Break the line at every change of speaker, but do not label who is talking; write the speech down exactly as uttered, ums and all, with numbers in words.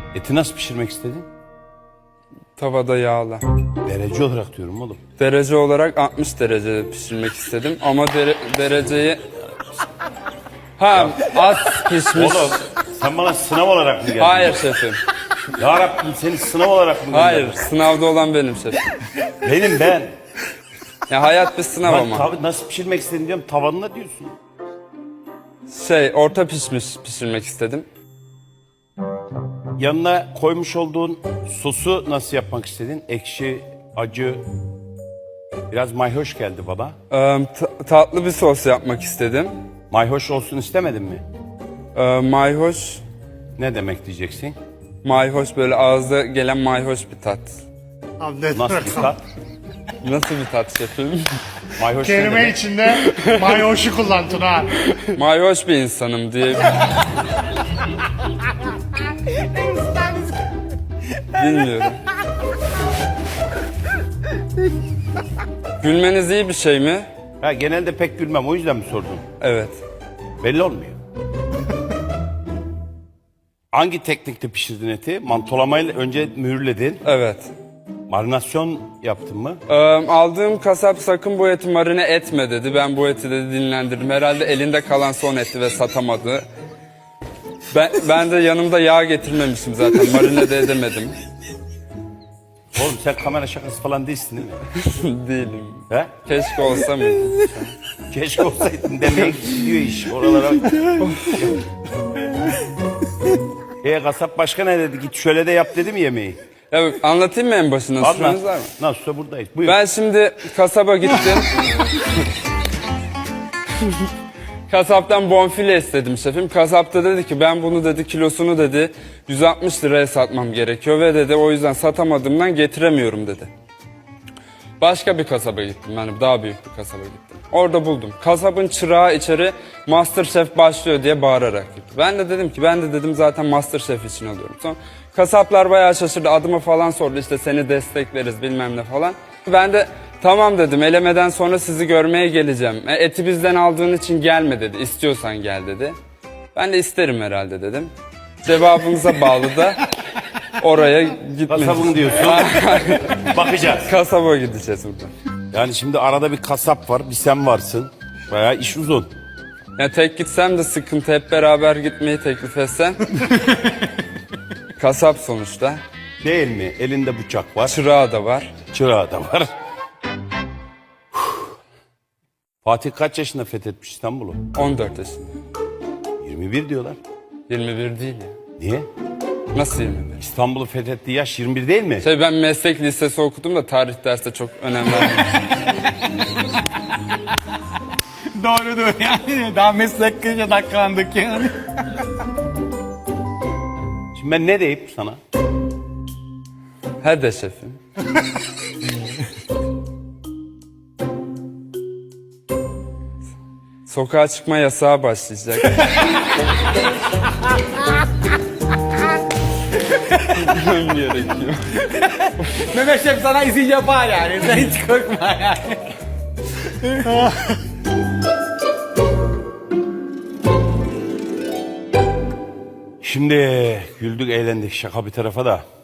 Eti nasıl pişirmek istedin?
Tavada yağla.
Derece olarak diyorum oğlum.
Derece olarak altmış derecede pişirmek istedim ama dere- dereceyi... Ha, az pişmiş.
Oğlum sen bana sınav olarak mı geldin?
Hayır şefim.
Ya Rabbim seni sınav olarak mı
Hayır,
gönderdin?
sınavda olan benim şefim.
Benim ben.
Ya hayat bir sınav
Bak
ama.
tabii nasıl pişirmek istedin diyorum tavanına diyorsun.
Şey, orta pişmiş pişirmek istedim.
Yanına koymuş olduğun sosu nasıl yapmak istedin? Ekşi, acı, biraz mayhoş geldi bana.
Ee, ta- tatlı bir sos yapmak istedim.
Mayhoş olsun istemedin mi?
Ee, mayhoş,
Ne demek diyeceksin?
mayhoş böyle ağızda gelen mayhoş bir tat.
Abi ne
Nasıl
demek
bir
o?
tat?
Nasıl bir tat şefim?
Mayhoş ne
Kelime
demek?
içinde mayoşu kullandın ha.
Mayhoş bir insanım diye. Bilmiyorum. Gülmeniz iyi bir şey mi?
Ha, genelde pek gülmem o yüzden mi sordun?
Evet.
Belli olmuyor. Hangi teknikte pişirdin eti? Mantolamayla önce mühürledin.
Evet.
Marinasyon yaptın mı?
Ee, aldığım kasap sakın bu eti marine etme dedi. Ben bu eti dedi dinlendirdim. Herhalde elinde kalan son eti ve satamadı. Ben, ben de yanımda yağ getirmemişim zaten. Marine de edemedim.
Oğlum sen kamera şakası falan değilsin değil mi?
Değilim.
He?
Keşke olsa mıydı?
Keşke olsaydın demeye gidiyor iş oralara. E kasap başka ne dedi? Git şöyle de yap dedi mi yemeği?
Ya anlatayım mı en başına?
Anlat.
Süreniz var mı?
Nasılsa buradayız. Buyur.
Ben şimdi kasaba gittim. Kasaptan bonfile istedim şefim. Kasap da dedi ki ben bunu dedi kilosunu dedi yüz altmış liraya satmam gerekiyor ve dedi o yüzden satamadığımdan getiremiyorum dedi. Başka bir kasaba gittim yani daha büyük bir kasaba gittim. Orada buldum. Kasabın çırağı içeri MasterChef başlıyor diye bağırarak gitti. Ben de dedim ki ben de dedim zaten MasterChef için alıyorum. Sonra kasaplar bayağı şaşırdı adımı falan sordu işte seni destekleriz bilmem ne falan. Ben de tamam dedim elemeden sonra sizi görmeye geleceğim. E, eti bizden aldığın için gelme dedi istiyorsan gel dedi. Ben de isterim herhalde dedim. Cevabınıza bağlı da oraya gitmeyiz.
Kasabın diyorsun. Bakacağız.
Kasaba gideceğiz buradan.
Yani şimdi arada bir kasap var, bir sen varsın. Bayağı iş uzun.
Ya tek gitsem de sıkıntı hep beraber gitmeyi teklif etsem. Kasap sonuçta.
Değil mi? Elinde bıçak var,
Çırağı da var.
çırağı da var. Fatih kaç yaşında fethetmiş İstanbul'u?
on dört yaşında.
yirmi bir diyorlar.
yirmi bir değil ya.
Niye?
Nasıl yirmi bir?
İstanbul'u fethettiği yaş yirmi bir değil mi?
Şey ben meslek lisesi okudum da tarih derste çok önem vermedim.
Doğrudur yani. Daha meslek kışa dakikalandık yani.
Şimdi ben ne deyip sana?
Hadi şefim. Sokağa çıkma yasağı başlayacak. Gitmem gerekiyor.
Mehmet Şef sana izin yapar yani. Sen hiç korkma yani.
Şimdi güldük eğlendik şaka bir tarafa da.